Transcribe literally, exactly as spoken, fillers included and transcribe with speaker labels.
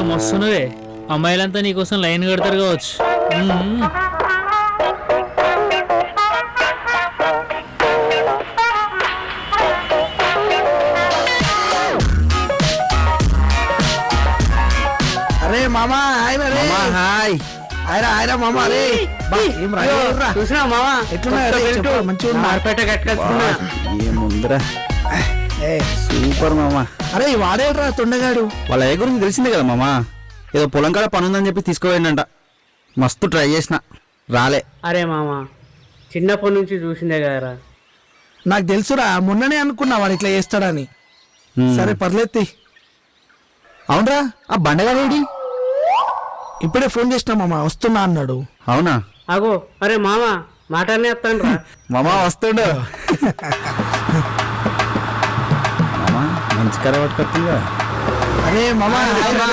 Speaker 1: మస్తున్నదే, అమ్మాయిలంతా నీకోసం లైన్ కడతారు కావచ్చు. మ్మ్.
Speaker 2: అరే మామా హాయ్ రే
Speaker 3: హాయ్
Speaker 2: హాయ్రా హాయ్రా మామా అరే ఏం రా
Speaker 1: చూసినా మావా
Speaker 2: ఎట్లున్నా మంచిగా
Speaker 1: మార్పేట కట్టుకొచ్చుకున్నా.
Speaker 3: ఏముందిరా
Speaker 2: ఏ
Speaker 3: సూపర్ మామా.
Speaker 2: అరే వాడేడ్రా తొండగాడు.
Speaker 3: వాళ్ళ ఏ గురించి తెలిసిందే కదా మామా, ఏదో పొలం కాడ పని ఉందని చెప్పి తీసుకుపోయిందంట. మస్తు ట్రై చేసిన రాలే.
Speaker 1: అరే మామ చిన్నప్పటి నుంచి చూసిందే కదరా.
Speaker 2: నాకు తెలుసురా, మొన్ననే అనుకున్నా వాడు ఇట్లా చేస్తాడని.
Speaker 3: హ్మ్.
Speaker 2: సరే పర్లేదు.
Speaker 3: అవునరా, ఆ బండగాడేడి?
Speaker 2: ఇప్పుడే ఫోన్ చేసినా మామ వస్తున్నా అన్నాడు.
Speaker 3: అవునా?
Speaker 1: అగో అరే మామ మాటనే వస్తాను రా.
Speaker 3: మామా వస్తుండు. మామా మంచి కర పట్టుకొస్తుందిగా.
Speaker 2: అరే మామ